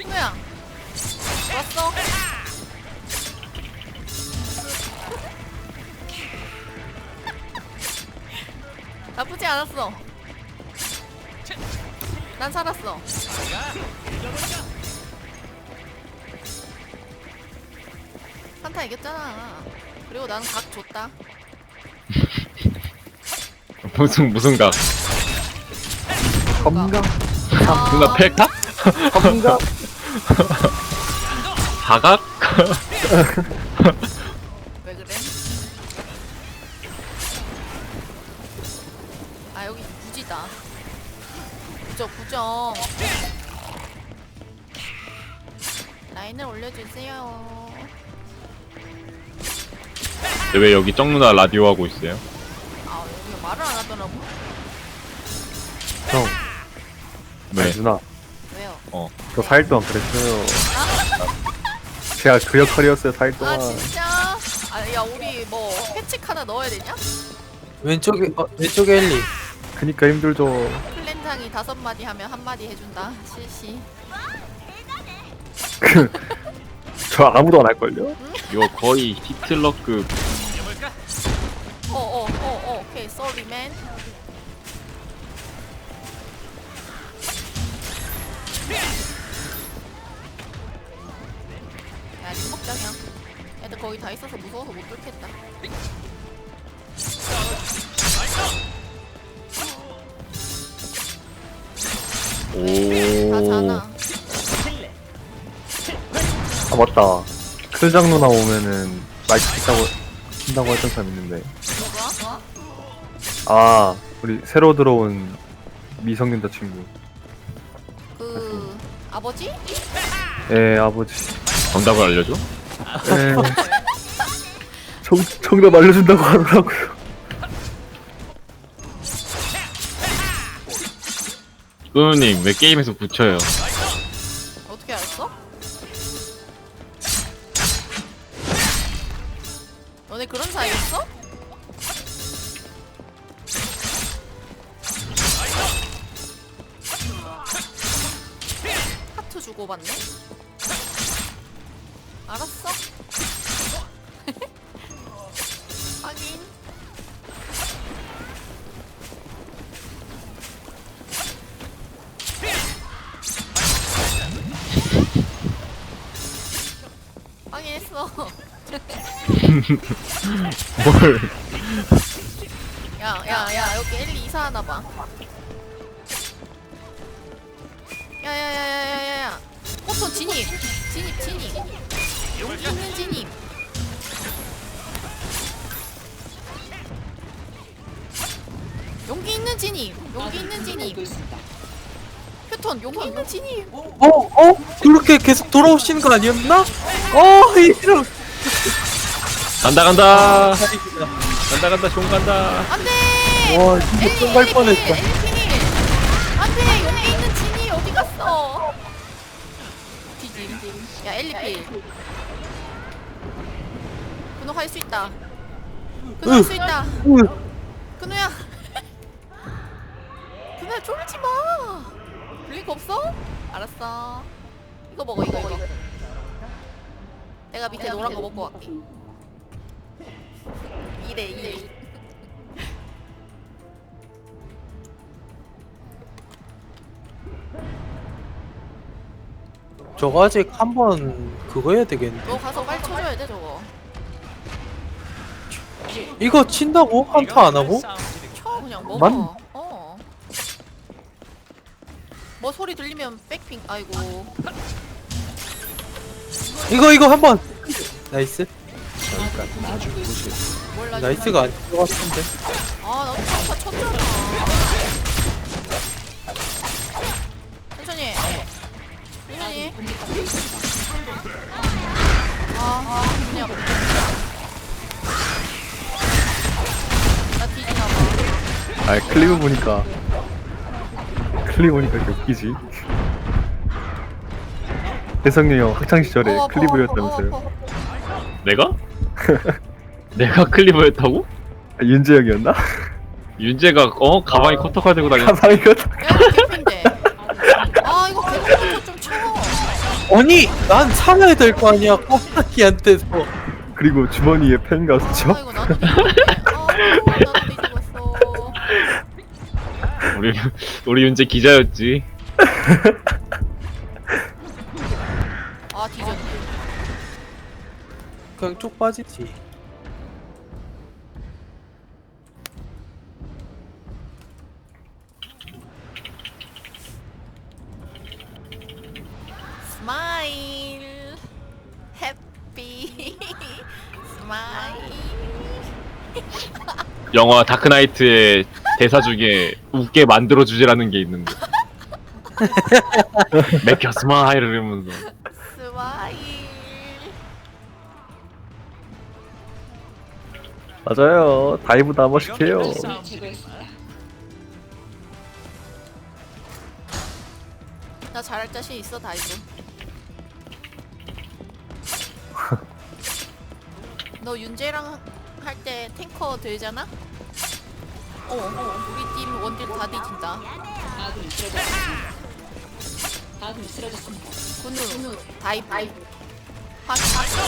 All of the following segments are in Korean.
뭐야? 왔어? 나쁘지 않았어. 난 살았어. 산타 이겼잖아. 그리고 나는 각 줬다. 무슨 각? 검각 누나 펠각? 검각 사각? 왜 그래? 아 여기 부지다. 구정. 라인을 올려주세요. 근데 왜 여기 쩡 누나 라디오 하고 있어요? 아 여기가 말을 안 하더라고. 형 왜? 아니, 누나 왜요? 저 4일 동안 그랬어요. 제가 그 역할이었어요 4일 동안. 아 진짜? 아야 우리 뭐 패칙 하나 넣어야 되냐? 왼쪽에 왼쪽에 엘리. 그니까 힘들죠. 플랜장이 5마디 하면 1마디 해준다. 실시. 저 아무도 안 할걸요? 이거 거의 히틀러급. 오케이 sorry man. 야 님 먹자 그냥. 애들 거기 다 있어서 무서워서 못 뚫겠다. 다 오. 자나. 아 맞다. 클장 누나 오면은 마이크 킨다고 했던 사람 있는데. 누가? 아 우리 새로 들어온 미성년자 친구. 그 아버지? 예 아버지. 정답을 알려줘? 예. 정답 알려준다고 하더라고요. 꾸누님 왜 게임에서 붙여요? 어떻게 알았어? 너네 그런 사이였어? 하트 주고받네? 알았어? 확인. 확인했어. 뭘? 야 여기 엘리 이사하나봐. 야야야야야야야 포톤 진입. 여기 있는 진입. 여기 있는 진입. 표톤 여기 있는 진입. 그렇게 계속 돌아오시는 거 아니었나? 이런. 간다. 종 간다. 안돼. 와 진짜 똥갈 뻔했다. 안돼 여기 있는 진이 어디 갔어? 뒤짐. 야 엘리필. 근호 할 수 있다. 근호 할 수 있다. 근호야. 근호야 쫄지 마. 블링크 없어? 알았어. 이거 먹어 이거. 내가 밑에 노란 거 먹고 갈게. 이래. 저거 아직 한번 그거 해야 되겠는데. 너 가서 빨리 쳐줘야 돼 저거. 이거 친다고? 한타 안 하고? 쳐 그냥 먹어. 만- 뭐 소리 들리면 백핑. 아이고. 이거 한번. 나이스. 몰라. 나이스가 아닌 것 같은데. 나도 다 쳤잖아. 천천히. 그냥. 나 뒤지나봐. 아 클립 보니까 이렇게 웃기지. 혜성이 형 학창 시절에 클리브였다면서요. 내가? 내가 클리버였다고? 아, 윤재 형이었나? 윤재가 가방에 커터칼 들고 다녔. 가방이 거 야 이거 개핀데. 이거 개핀부터 좀 쳐. 아니 난 살아야 될 거 아니야 껍데기한테서. 그리고 주머니에 펜과 수첩. 아이고 나도 뒤집었네. 나도 뒤집었어. 우리 윤재 기자였지. 아 뒤졌네. 그냥 쭉 빠지지. 스마일 해피 스마일. 영화 다크나이트의 대사 중에 웃게 만들어주지라는 게 있는데. 맥혀 스마일 이러면서. 스마일. 맞아요. 다이브도 한 번씩 해요. 나 잘할 자신 있어 다이브. 너 윤재랑 할 때 탱커 들잖아? 우리 팀 원딜 다 뒤진다. 군우 다이브 화수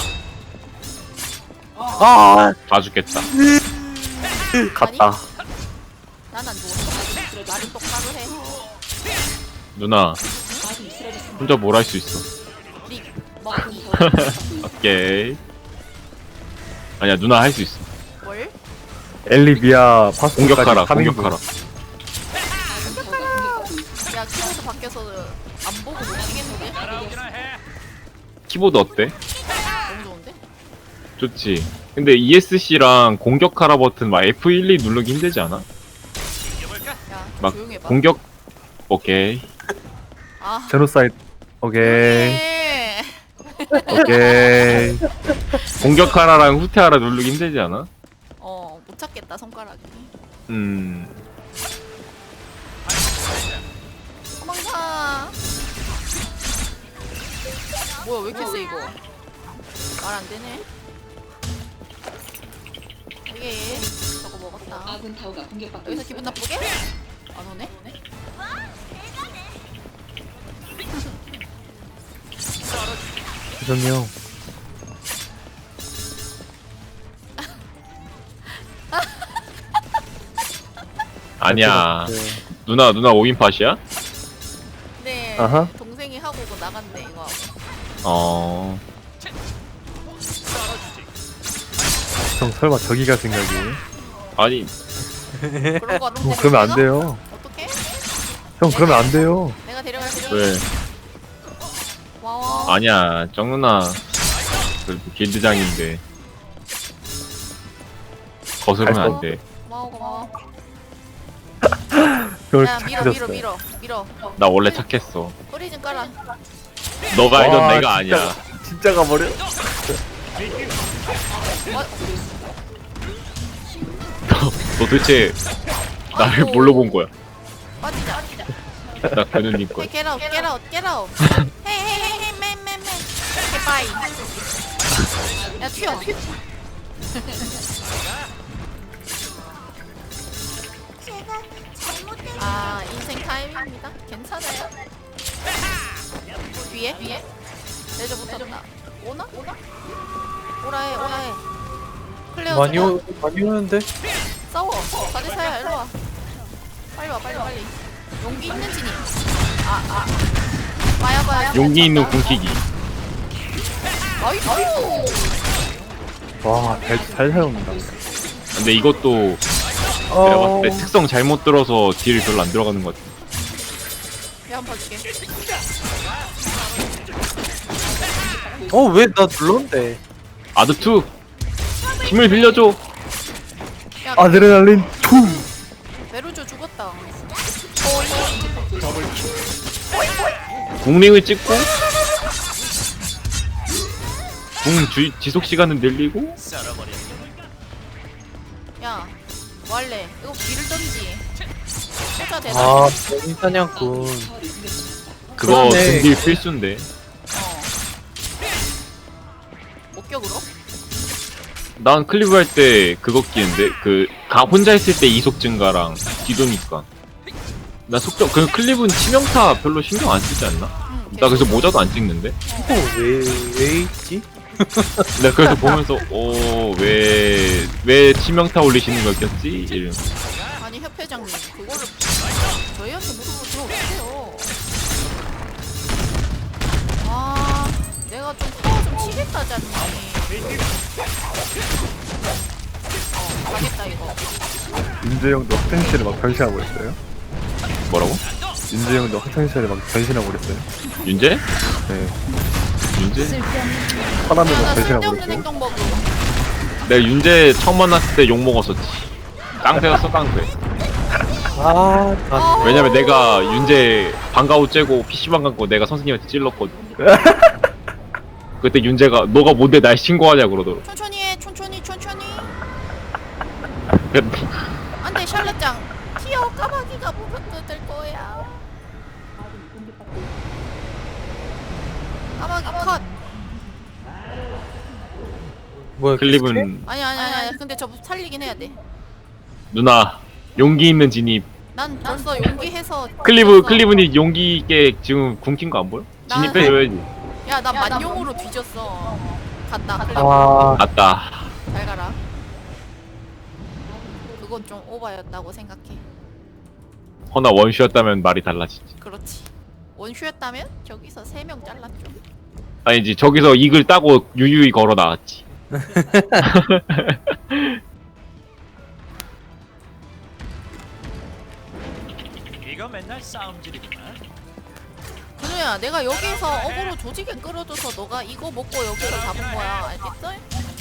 아 다 죽겠다. 갔다. 난안 죽었어. 말은 똑바로 해. 누나 혼자 뭘 할 수 있어. 릭 먹기 오케이. 아니야 누나 할 수 있어. 뭘? 엘리비아 파스 공격하라 공격하라. 야 키보드 바뀌어서 안 보고 못 치겠는데? 키보드 어때? 너무 좋은데? 좋지. 근데 ESC랑 공격하라 버튼 막 F12 누르기 힘들지 않아? 야 막 조용히 해봐. 공격. 오케이. 아 제노사이드. 오케이. 예. 오케이. 공격하라랑 후퇴하라 누르기 힘들지 않아? 못 찾겠다 손가락이. 도망가. 뭐야 왜 이렇게 세 이거? 말 안 되네. 이게 저거 먹었다. 아군 타워가 공격받고 여기서 있어. 기분 나쁘게? 안 오네? 죄송해요. 아니야. 누나 5인팟이야? 네. 아하. 동생이 하고 오고 나간대 이거 하고. 어. 형 설마 저기가 생각이? 아니 그런 거 같은데. 그러면 안 돼요. 어떡해? 형 그러면 안 돼요. 내가 데려갈게. 왜? 고마워. 아니야 정 누나 그 길드장인데 거스르면 안 돼. 고마워. 형을 야 착해졌어요. 밀어. 나 원래 착했어. 소리 좀 깔아. 너가 알던 와, 내가 진짜. 아니야. 진짜 가버려? 너 도대체 나를 아이고. 뭘로 본 거야? 빠지자. 나 근우님 거. Hey, get out. Hey, man. Okay, bye. 야, 튀어. 아, 인생 타임입니다. 괜찮아요. 뒤에. 레저 붙었다. 오나? 오라 해. 클레어 많이 좀 많이 오는데. 싸워. 가지사야, 일로 와. 빨리 와. 용기 있는 진이. 와야. 용기 있는 궁키기. 나이스. 와, 잘 사용한다. 근데 이것도 내가 봤을 때 특성 잘못 들어서 딜 별로 안 들어가는 것 같아. 한번 봐줄게. 왜 나 눌렀는데? 아드2 힘을 빌려줘. 야, 아드레날린 투. 메루조 죽었다. 궁링을 찍고 지속 시간은 늘리고. 야, 뭐 할래? 이거 길을 던지. 소자 대단. 아 변인 사냥꾼. 그거 그러네. 등딜 필수인데. 목격으로? 난 클리브 할 때 그거 끼는데 혼자 있을 때 이속 증가랑 뒤도니까. 나 속도 클리브는 치명타 별로 신경 안 쓰지 않나? 나 그래서 모자도 안 찍는데? 왜 있지? 내가 그래서 보면서 왜 치명타 올리시는 거였지? 이러면서 아니 협회장님 그거를 저희한테 물어보면 어떡해요. 아 내가 좀 파워 좀 치겠다잖니. 가겠다 이거. 윤재형도 학생시절에 막 변신하고 있어요? 뭐라고? 윤재형도 학생시절에 막 변신하고 그랬어요? 윤재? 네. 윤재? 화나면 막 나 변신하고 쓸데없는 그랬어요? 행동 버그. 내가 윤재 처음 만났을 때 욕 먹었었지. 깡패였어 깡패. 아, 왜냐면 내가 윤재 방과후 째고 PC방 갖고 내가 선생님한테 찔렀거든. 그때 윤재가 너가 뭔데 날 신고하냐 그러더라고. 천천히 해 천천히. 안돼 샬럿장 튀어 까마귀가 보면 뜯을 거야. 까마귀 컷. 뭐야 클립은 아니야 근데 저 살리긴 해야 돼. 누나 용기 있는 진입. 난 벌써 용기해서 클리브니 용기 있게 지금 굶긴 거 안 보여? 진입 해줘야지. 야나 만용으로 뒤졌어. 갔다 클리브. 맞다. 잘 가라. 그건 좀 오바였다고 생각해. 허나 원슈였다면 말이 달라지지. 그렇지. 원슈였다면 저기서 3명 잘랐죠. 아니지 저기서 이글 따고 유유히 걸어 나왔지. 이거 맨날 싸움질이구나. 근우야 내가 여기서 어그로 조직에 끌어줘서 너가 이거 먹고 여기서 잡은 거야. 알겠어?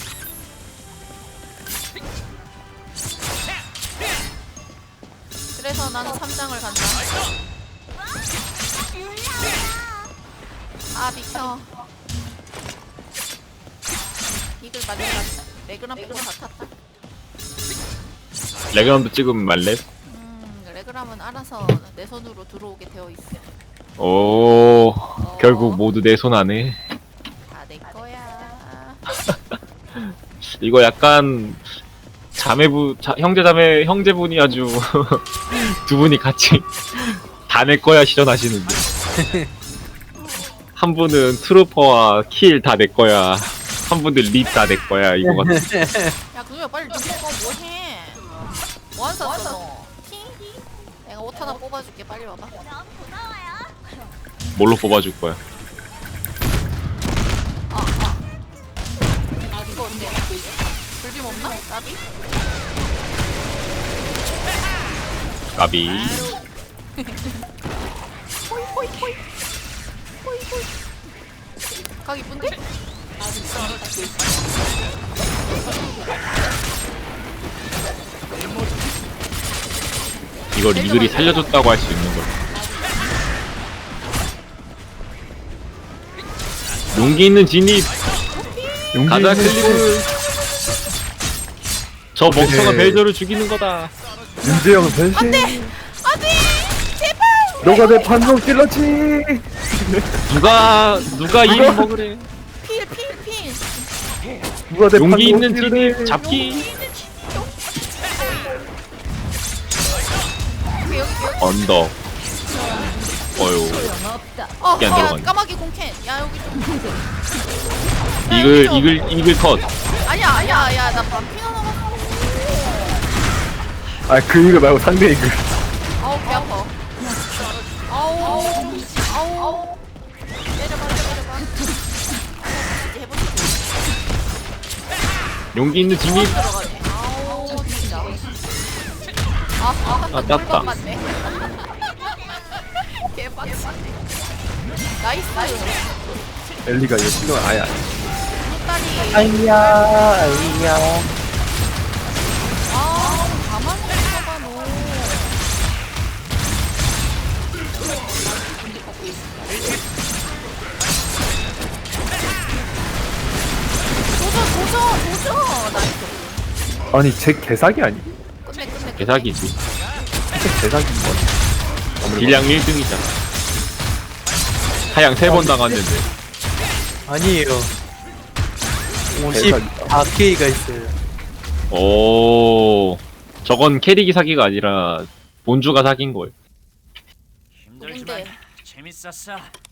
그래서 나는 3장을 간다. 아 비켜. 이글 맞는 거 레그람 빼고 다 탔다. 레그람도 찍으면 말래? 레그람은 알아서 내 손으로 들어오게 되어 있어. 오 결국 모두 내 손 안에. 다 내 거야. 이거 약간 형제분이 아주 두 분이 같이 다 내 거야 실현하시는데. 한 분은 트루퍼와 킬 다 내 거야. 한 분은 립 다 내 거야 이거 같아. 야 그거야 빨리 눈 먹어 뭐해? 뭐안 샀어 너? 티? 내가 옷 하나 뽑아줄게 빨리 와봐. 뭘로 뽑아줄 거야? 이거 어때? 불빔 없나? 나비? 까비. 호이 각 이쁜데? 이걸 이글이 살려줬다고 할 수 있는 걸. 용기 있는 진입. 용기 가자 있는 클리브. 저 멍청한 네. 벨저를 죽이는 거다. 윤재형 변신! 안돼 제발. 너가 내 반동 찔렀지! 누가 이글 먹으래. 필. 누가 내 용기 있는 반동 진입 찔렀지? 잡기. 여기. 언덕. 어휴. 이게 안 야 들어가네. 까마귀 공캔. 야 여기 좀. 이글 컷. 아니야 나 반피나 남았어. 아, 그 이글 말고 상대 이글. 아우 배 아파. 아우 내려봐. 이제 해보자. 용기 있는 진입. 들어가네. 아우 진짜. 아, 땄다. 맞네. 개빡치네. 나이스. 엘리가 이거 신경 아예 안 해. 딸이. 아이야 아 가만히 있어봐 너. 도전. 나이스. 아니, 제 개사기 아니? 끝내. 개사기지. 진짜 개사기인 거 딜량 1등이잖아. 하양 3번 당했는데. 아니에요. 50 대박이다. 4K가 있어요. 오. 저건 캐릭이 사기가 아니라 본주가 사기인 거예요. 힘들지만 누군데? 재밌었어.